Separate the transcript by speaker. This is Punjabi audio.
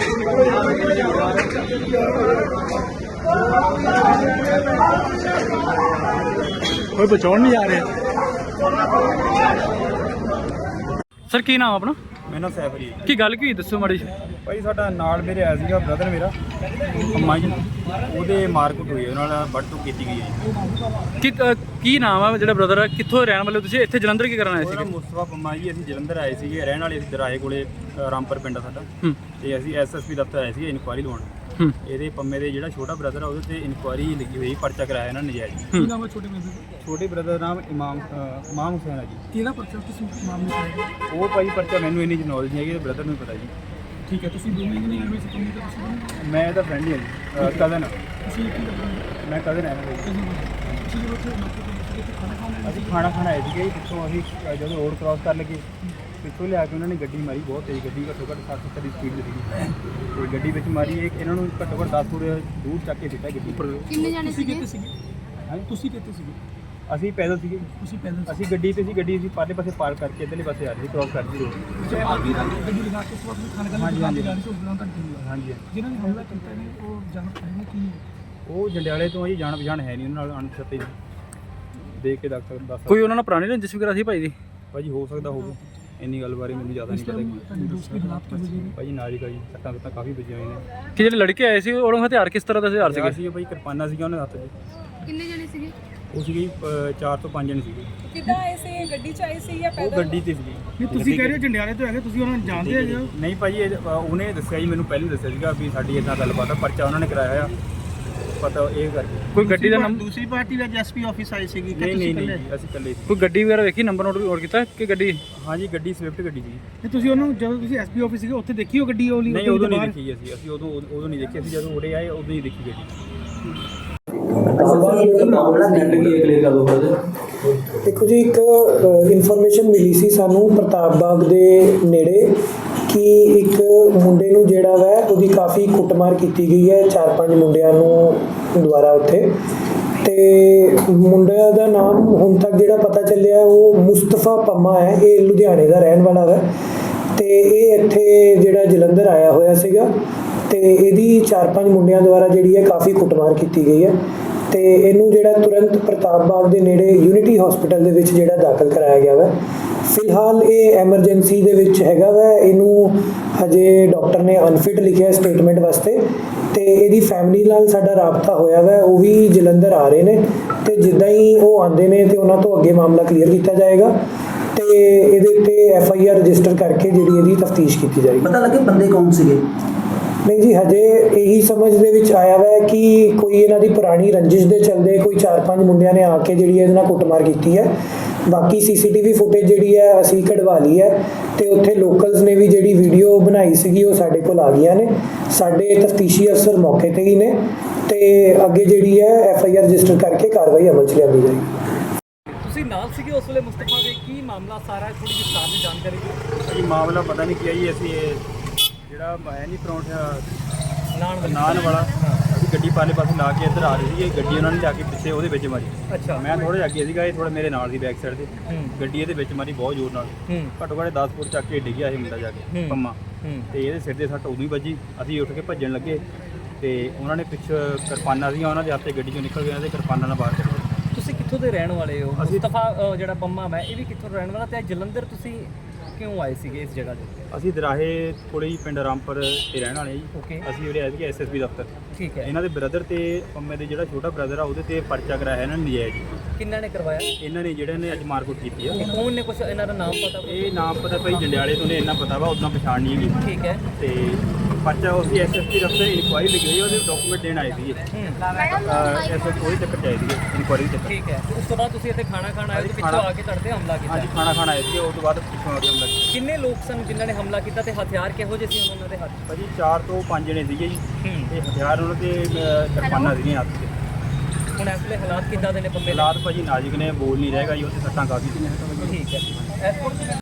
Speaker 1: कोई बचाने नहीं आ रहे। सर की नाम अपना?
Speaker 2: मेरा नाम सैफ जी।
Speaker 1: की गल की दसो माड़ी
Speaker 2: भाई साडा नाल मेरे आया सीगा ब्रदर मेरा अम्मा जी ਉਹਦੇ ਮਾਰਕੁੱਟ ਹੋਈ ਉਹਨਾਂ ਨਾਲ ਵੱਢ ਕੀਤੀ ਗਈ ਹੈ
Speaker 1: ਕੀ ਨਾਮ ਆ ਜਿਹੜਾ ਬ੍ਰਦਰ ਆ ਕਿੱਥੋਂ ਰਹਿਣ ਵਾਲੇ ਤੁਸੀਂ ਇੱਥੇ ਜਲੰਧਰ ਕੀ ਕਰਨ ਆਏ ਸੀ?
Speaker 2: ਮੁਸਤਫਾ ਪੰਮਾ ਜੀ ਅਸੀਂ ਜਲੰਧਰ ਆਏ ਸੀਗੇ ਰਹਿਣ ਵਾਲੇ ਅਸੀਂ ਦਰਾਹੇ ਕੋਲੇ ਰਾਮਪੁਰ ਪਿੰਡ ਆ ਸਾਡਾ ਤੇ ਅਸੀਂ ਐਸਐਸਪੀ ਦਫ਼ਤਰ ਆਏ ਸੀ ਇਨਕੁਆਇਰੀ ਲਵਾਉਣ। ਇਹਦੇ ਪੰਮੇ ਦੇ ਜਿਹੜਾ ਛੋਟਾ ਬ੍ਰਦਰ ਆ ਉਹਦੇ ਤੇ ਇਨਕੁਆਇਰੀ ਲੱਗੀ ਹੋਈ ਪਰਚਾ ਕਰਾਇਆ ਇਹਨਾਂ ਨੇ ਨਜਾਇਜ਼।
Speaker 1: ਕੀ ਨਾਮ ਹੈ ਛੋਟੇ ਬ੍ਰਦਰ?
Speaker 2: ਛੋਟੇ ਬ੍ਰਦਰ ਦਾ ਨਾਮ ਇਮਾਮ ਹੁਸੈਨ ਹੈ ਜੀ।
Speaker 1: ਕਿਹੜਾ ਪਰਚਾ ਕਿਸ ਮਾਮਲੇ 'ਚ ਆਇਆ?
Speaker 2: ਉਹ ਭਾਈ ਪਰਚਾ ਮੈਨੂੰ ਇੰਨੀ ਨੌਲੇਜ ਨਹੀਂ ਹੈਗੀ ਬ੍ਰਦਰ ਨੂੰ ਪਤਾ ਜੀ।
Speaker 1: ਠੀਕ ਹੈ ਤੁਸੀਂ ਦੋਵੇਂ ਨਹੀਂ ਆਏ ਸੀ ਪੰਮੇ ਤੇ ਤੁਸੀਂ?
Speaker 2: ਮੈਂ ਇਹਦਾ ਫਰੈਂਡ ਹੀ ਹਾਂ ਜੀ ਕਜ਼ਨ।
Speaker 1: ਤੁਸੀਂ ਕੀ ਕਰਦੇ?
Speaker 2: ਮੈਂ ਕਜ਼ਨ ਹੈ ਅਸੀਂ ਖਾਣਾ ਖਾਣ ਆਏ ਸੀਗੇ ਪਿੱਛੋਂ ਅਸੀਂ ਜਦੋਂ ਰੋਡ ਕ੍ਰਾਸ ਕਰਨ ਲੱਗੇ ਪਿੱਛੋਂ ਲਿਆ ਕੇ ਉਹਨਾਂ ਨੇ ਗੱਡੀ ਮਾਰੀ ਬਹੁਤ ਤੇਜ਼ ਗੱਡੀ ਘੱਟੋ ਘੱਟ 60-70 ਦੀ ਸਪੀਡ ਸੀਗੀ ਤੇ ਗੱਡੀ ਵਿੱਚ ਮਾਰੀ ਇਹਨਾਂ ਨੂੰ ਘੱਟੋ ਘੱਟ 10 ਫੁੱਟ ਦੂਰ ਚੱਕ ਕੇ ਸਿੱਟਾ ਗੱਡੀ ਉੱਪਰ।
Speaker 3: ਕਿੰਨੇ ਜਾਣੇ ਸੀਗੇ?
Speaker 2: ਹਾਂਜੀ
Speaker 1: ਤੁਸੀਂ ਕਿੱਥੇ ਸੀਗੇ?
Speaker 2: ਅਸੀਂ ਪੈਦਲ ਸੀਗੇ।
Speaker 1: ਤੁਸੀਂ ਪੈਦਲ?
Speaker 2: ਅਸੀਂ ਗੱਡੀ ਤੇ ਸੀ ਗੱਡੀ ਅਸੀਂ ਪਰਲੇ ਪਾਸੇ ਪਾਰ ਕਰਕੇ ਇੱਧਰਲੇ ਪਾਸੇ ਆ ਰਹੀ ਸੀ ਕ੍ਰਾਸ ਕਰਦੀ ਰੋਡ।
Speaker 1: ਗੱਡੀ ਲਗਾ ਕੇ ਉਸ ਵਕਤ ਖਾਣਾ ਖਾਣ
Speaker 2: ਹਾਂਜੀ
Speaker 1: ਹਾਂਜੀ
Speaker 2: ਹਾਂਜੀ
Speaker 1: ਜਿਹਨਾਂ ਨੇ ਹਮਲਾ ਕੀਤਾ ਨੇ ਉਹ ਜਾਣ ਪਛਾਣ ਕੀ?
Speaker 2: ਉਹ ਜੰਡਿਆਲੇ ਤੋਂ ਜੀ ਜਾਣ ਪਛਾਣ ਹੈ ਨਹੀਂ ਉਹਨਾਂ ਨਾਲ ਅਣਛਤੇ ਦੇਖ ਕੇ ਦੱਸ
Speaker 1: ਕੋਈ ਉਹਨਾਂ ਨਾਲ ਪੁਰਾਣੀ ਰੰਜਿਸ਼ ਵਗੈਰਾ ਸੀ ਭਾਈ ਦੀ?
Speaker 2: ਭਾਜੀ ਹੋ ਸਕਦਾ ਹੋਵੇ ਇੰਨੀ ਗੱਲ ਬਾਰੇ ਮੈਨੂੰ ਜ਼ਿਆਦਾ ਨਹੀਂ ਪਤਾ ਭਾਜੀ ਨਾਲ ਹੀ ਸੱਟਾਂ ਸੁੱਟਾਂ ਕਾਫੀ ਵੱਜੀਆਂ ਹੋਈਆਂ ਨੇ।
Speaker 1: ਕਿ ਜਿਹੜੇ ਲੜਕੇ ਆਏ ਸੀ ਉਹਨਾਂ ਹਥਿਆਰ ਕਿਸ ਤਰ੍ਹਾਂ ਦੇ ਹਥਿਆਰ ਸੀਗੇ?
Speaker 2: ਸੀਗੇ ਭਾਈ ਕਿਰਪਾਨਾਂ ਸੀਗੀਆਂ ਉਹਨਾਂ ਦੇ ਹੱਥ 'ਚ।
Speaker 3: ਕਿੰਨੇ ਜਾਣੇ ਸੀਗੇ?
Speaker 2: ਉਹ ਸੀਗੀ 4 ਤੋਂ 5 ਜਣੇ ਸੀਗੇ।
Speaker 3: ਕਿੱਦਾਂ ਆਏ ਸੀ? ਗੱਡੀ 'ਚ ਆਏ ਸੀ ਜਾਂ
Speaker 2: ਉਹ
Speaker 3: ਪੈਦਲ?
Speaker 2: ਗੱਡੀ ਤੇ ਸੀਗੀ।
Speaker 1: ਨਹੀਂ ਤੁਸੀਂ ਕਹਿ ਰਹੇ ਹੋ ਜੰਡਿਆਲੇ ਤੋਂ ਹੈਗੇ ਤੁਸੀਂ ਉਹਨਾਂ ਨੂੰ ਜਾਣਦੇ ਹੈਗੇ ਹੋ?
Speaker 2: ਨਹੀਂ ਭਾਜੀ ਉਹਨੇ ਦੱਸਿਆ ਜੀ ਮੈਨੂੰ ਪਹਿਲਾਂ ਦੱਸਿਆ ਸੀਗਾ ਵੀ ਸਾਡੀ ਇੱਦਾਂ ਗੱਲਬਾਤ ਆ ਪਰਚਾ ਉਹਨਾਂ ਨੇ ਕਰਾਇਆ ਆ ਪਤਾ ਇਹ ਕਰਕੇ।
Speaker 1: ਕੋਈ ਗੱਡੀ ਦਾ ਨੰਬਰ?
Speaker 4: ਦੂਸਰੀ ਪਾਰਟੀ ਵਿੱਚ ਐਸਪੀ ਆਫਿਸ ਆਈ ਸੀਗੀ ਕਿ
Speaker 2: ਨਹੀਂ
Speaker 4: ਤੁਸੀਂ
Speaker 2: ਨਹੀਂ
Speaker 4: ਇਕੱਲੇ?
Speaker 2: ਅਸੀਂ ਇਕੱਲੇ ਸੀ।
Speaker 1: ਕੋਈ ਗੱਡੀ ਵਗੈਰਾ ਵੇਖੀ ਨੰਬਰ ਨੋਟ ਕੀਤਾ ਕਿ ਗੱਡੀ?
Speaker 2: ਹਾਂਜੀ ਗੱਡੀ ਸਵਿਫਟ ਗੱਡੀ ਸੀ।
Speaker 1: ਤੇ ਤੁਸੀਂ ਉਹਨੂੰ ਜਦੋਂ ਤੁਸੀਂ ਐਸਪੀ ਆਫਿਸ ਸੀਗੇ ਉੱਥੇ ਦੇਖੀ ਉਹ ਗੱਡੀ ਉਹ
Speaker 2: ਨਹੀਂ ਉਦੋਂ ਨਹੀਂ ਦੇਖੀ ਅਸੀਂ ਉਦੋਂ ਨਹੀਂ ਦੇਖੀ ਅਸੀਂ ਜਦੋਂ ਉਰੇ ਆਏ ਉਦੋਂ ਹੀ ਦੇਖੀ ਗੱਡੀ।
Speaker 5: देखो जी एक इन्फॉर्मेशन मिली सी सानू प्रताप बाग दे नेड़े कि एक मुंडे नूं जिहड़ा वै उहदी काफ़ी कुटमार की गई है 4-5 मुंडियां नूं द्वारा उत्थे ते मुंडे दा नाम हुण तक जिहड़ा पता चलिया वो मुस्तफा पम्मा है ये लुधियाने दा रहण वाला है ते ये इत्थे जिहड़ा जलंधर आया होया सीगा ते इहदी 4-5 मुंडियां द्वारा जिहड़ी है काफ़ी कुटमार की गई है ਤੇ ਇਹਨੂੰ ਜਿਹੜਾ ਤੁਰੰਤ ਪ੍ਰਤਾਪ ਬਾਗ ਦੇ ਨੇੜੇ ਯੂਨਿਟੀ ਹਸਪੀਟਲ ਦੇ ਵਿੱਚ ਜਿਹੜਾ ਦਾਖਲ ਕਰਾਇਆ ਗਿਆ ਵਾ। ਫਿਲਹਾਲ ਇਹ ਐਮਰਜੈਂਸੀ ਦੇ ਵਿੱਚ ਹੈਗਾ ਵਾ। ਇਹਨੂੰ ਹਜੇ ਡਾਕਟਰ ਨੇ ਅਨਫਿਟ ਲਿਖਿਆ ਸਟੇਟਮੈਂਟ ਵਾਸਤੇ ਤੇ ਇਹਦੀ ਫੈਮਿਲੀ ਨਾਲ ਸਾਡਾ ਰਾਬਤਾ ਹੋਇਆ ਵਾ। ਉਹ ਵੀ ਜਲੰਧਰ ਆ ਰਹੇ ਨੇ ਤੇ ਜਿੱਦਾਂ ਹੀ ਉਹ ਆਉਂਦੇ ਨੇ ਤੇ ਉਹਨਾਂ ਤੋਂ ਅੱਗੇ ਮਾਮਲਾ ਕਲੀਅਰ ਕੀਤਾ ਜਾਏਗਾ ਤੇ ਇਹਦੇ ਉੱਤੇ FIR ਰਜਿਸਟਰ ਕਰਕੇ ਜਿਹੜੀ ਇਹਦੀ ਤਫਤੀਸ਼ ਕੀਤੀ ਜਾਏਗੀ।
Speaker 4: ਪਤਾ ਲੱਗੇ ਬੰਦੇ ਕੌਣ ਸੀਗੇ?
Speaker 5: नहीं जी हजे यही समझ दे विच आया वा कि कोई इन्हां दी पुरानी रंजिश दे चलदे कोई 4-5 मुंडियां ने आके जिहड़ी इहदे नाल कुटमार कीती है। बाकी CCTV फुटेज जिहड़ी है असीं कढवा ली है ते उत्थे लोकल्स ने भी जिहड़ी वीडियो बनाई सीगी वो साडे कोल आ गईयां ने। साडे तफ्तीशी अफसर मौके ते ही ने ते अगे जिहड़ी है FIR रजिस्टर करके कार्रवाई अमल च लिआंदी जाएगी।
Speaker 1: ਤੁਸੀਂ ਨਾਲ ਸੀਗੇ ਉਸ ਵੇਲੇ ਮੁਸਤਫਾ ਦੇ? ਕੀ ਮਾਮਲਾ ਸਾਰਾ ਥੋੜੀ ਜਿਹੀ ਵਿਸਥਾਰ ਦੀ ਜਾਣਕਾਰੀ ਦਿਓ।
Speaker 2: ਜੀ ਮਾਮਲਾ ਪਤਾ ਨਹੀਂ ਕੀ ਹੈ ਜੀ ਅਸੀਂ ਜਿਹੜਾ ਹੈ ਨਹੀਂ ਪਰੌਂਠਾ ਨਾਨ ਵਾਲਾ ਅਸੀਂ ਗੱਡੀ ਪਾਲੇ ਪਾਸੇ ਲਾ ਕੇ ਇੱਧਰ ਆ ਰਹੀ ਸੀ ਗੱਡੀ ਉਹਨਾਂ ਨੇ ਜਾ ਕੇ ਪਿੱਛੇ ਉਹਦੇ ਵਿੱਚ ਮਾਰੀ।
Speaker 1: ਅੱਛਾ
Speaker 2: ਮੈਂ ਥੋੜਾ ਜਿਹਾ ਅੱਗੇ ਸੀਗਾ ਇਹ ਥੋੜਾ ਮੇਰੇ ਨਾਲ ਦੀ ਬੈਕ ਸਾਈਡ ਤੇ ਗੱਡੀ ਇਹਦੇ ਵਿੱਚ ਮਾਰੀ ਬਹੁਤ ਜ਼ੋਰ ਨਾਲ ਘੱਟੋ ਘੱਟ 10 ਫੁੱਟ ਚੱਕ ਕੇ ਡਿੱਗਿਆ ਇਹ ਮੁੰਡਾ ਜਾ ਕੇ ਪੰਮਾ ਤੇ ਇਹਦੇ ਸਿਰ ਦੇ ਸੱਟ ਉਦੋਂ ਹੀ ਵੱਜੀ। ਅਸੀਂ ਉੱਠ ਕੇ ਭੱਜਣ ਲੱਗੇ ਤੇ ਉਹਨਾਂ ਨੇ ਪਿੱਛੇ ਕਿਰਪਾਨਾਂ ਸੀਗੀਆਂ ਉਹਨਾਂ ਦੇ ਹੱਥ ਤੇ ਗੱਡੀ ਚੋਂ ਨਿਕਲ ਗਏ ਤੇ ਕਿਰਪਾਨਾਂ ਨਾਲ ਬਾਹਰ ਕੱਢਿਆ।
Speaker 1: ਤੁਸੀਂ ਕਿੱਥੋਂ ਦੇ ਰਹਿਣ ਵਾਲੇ ਹੋ? ਮੁਸਤਫਾ ਜਿਹੜਾ ਪੰਮਾ ਮੈਂ ਇਹ ਵੀ ਕਿੱਥੋਂ ਰਹਿਣ ਵਾਲਾ ਤੇ ਜਲੰਧਰ ਤੁਸੀਂ ਕਿਉਂ ਆਏ ਸੀਗੇ ਇਸ ਜਗ੍ਹਾ ਤੇ?
Speaker 2: ਅਸੀਂ ਦਰਾਹੇ ਕੋਲੇ ਹੀ ਪਿੰਡ ਰਾਮਪੁਰ ਤੇ ਰਹਿਣ ਵਾਲੇ ਜੀ।
Speaker 1: ਓਕੇ
Speaker 2: ਅਸੀਂ ਉਰੇ ਆਏ ਸੀਗੇ SSB ਦਫ਼ਤਰ।
Speaker 1: ਠੀਕ ਹੈ।
Speaker 2: ਇਹਨਾਂ ਦੇ ਬ੍ਰਦਰ ਤੇ ਪੰਮੇ ਦੇ ਜਿਹੜਾ ਛੋਟਾ ਬ੍ਰਦਰ ਆ ਉਹਦੇ ਤੇ ਪਰਚਾ ਕਰਾਇਆ ਇਹਨਾਂ ਨੇ ਨਜਾਇਜ਼ ਜੀ।
Speaker 1: ਕਿੰਨਾਂ ਨੇ ਕਰਵਾਇਆ?
Speaker 2: ਇਹਨਾਂ ਨੇ ਜਿਹੜੇ ਨੇ ਅੱਜ ਮਾਰਕੁੱਟ ਕੀਤੀ ਆ।
Speaker 1: ਕੌਣ ਨੇ? ਕੁਛ ਇਹਨਾਂ ਦਾ ਨਾਮ ਪਤਾ?
Speaker 2: ਇਹ ਨਾਮ ਪਤਾ ਭਾਈ ਜੰਡਿਆਲੇ ਤੋਂ ਨੇ ਇੰਨਾ ਪਤਾ ਵਾ ਉਦੋਂ ਪਛਾਣ ਨਹੀਂ ਹੈਗੀ।
Speaker 1: ਠੀਕ ਹੈ।
Speaker 2: ਤੇ ਪਰਚਾ ਉਸੇ SSB ਦਫ਼ਤਰ ਇਨਕੁਆਇਰੀ ਲੱਗੀ ਹੋਈ ਉਹਦੇ ਡਾਕੂਮੈਂਟ ਦੇਣ ਆਏ ਸੀਗੇ ਕੋਈ ਚੱਕਰ ਚਾਹੀਦੀ ਸੀ ਇਨਕੁਆਇਰੀ ਚੱਕਰ।
Speaker 1: ਠੀਕ ਹੈ। ਉਸ ਤੋਂ ਬਾਅਦ ਤੁਸੀਂ ਇੱਥੇ ਖਾਣਾ ਖਾਣ ਆਏ ਤੇ ਪਿੱਛੋਂ ਆ ਕੇ ਤੁਹਾਡੇ ਤੇ ਹਮਲਾ ਕੀਤਾ?
Speaker 2: ਹਾਂਜੀ ਖਾਣਾ ਖਾਣ ਆਏ ਸੀਗੇ ਉਸ ਤੋਂ ਬਾਅਦ ਪਿੱਛੋਂ ਆ ਕੇ ਹਮਲਾ ਕੀਤਾ।
Speaker 1: ਕਿੰਨੇ ਲੋਕ ਸਨ ਜਿਨ੍ਹਾਂ ਨੇ ਹਮਲਾ ਕੀਤਾ ਤੇ ਹਥਿਆਰ ਕਿਹੋ ਜਿਹੇ ਸੀ ਉਹਨਾਂ ਦੇ ਹੱਥ?
Speaker 2: ਭਾਜੀ 4 ਤੋਂ 5 ਜਣੇ ਸੀਗੇ ਜੀ ਤੇ ਹਥਿਆਰ ਉਹਨਾਂ ਦੇ ਕਿਰਪਾਨਾਂ ਸੀਗੀਆਂ ਹੱਥ 'ਚ।
Speaker 1: ਹੁਣ ਇਸ ਵੇਲੇ ਹਾਲਾਤ ਕਿੱਦਾਂ ਦੇ ਨੇ ਪੰਮੇ ਦੇ?
Speaker 2: ਹਾਲਾਤ ਭਾਜੀ ਨਾਜ਼ੁਕ ਨੇ ਬੋਲ ਨਹੀਂ ਰਹੇਗਾ ਜੀ ਉਹਦੇ ਸੱਟਾਂ ਕਾਫੀ ਸੀਗੀਆਂ।
Speaker 1: ਠੀਕ ਹੈ।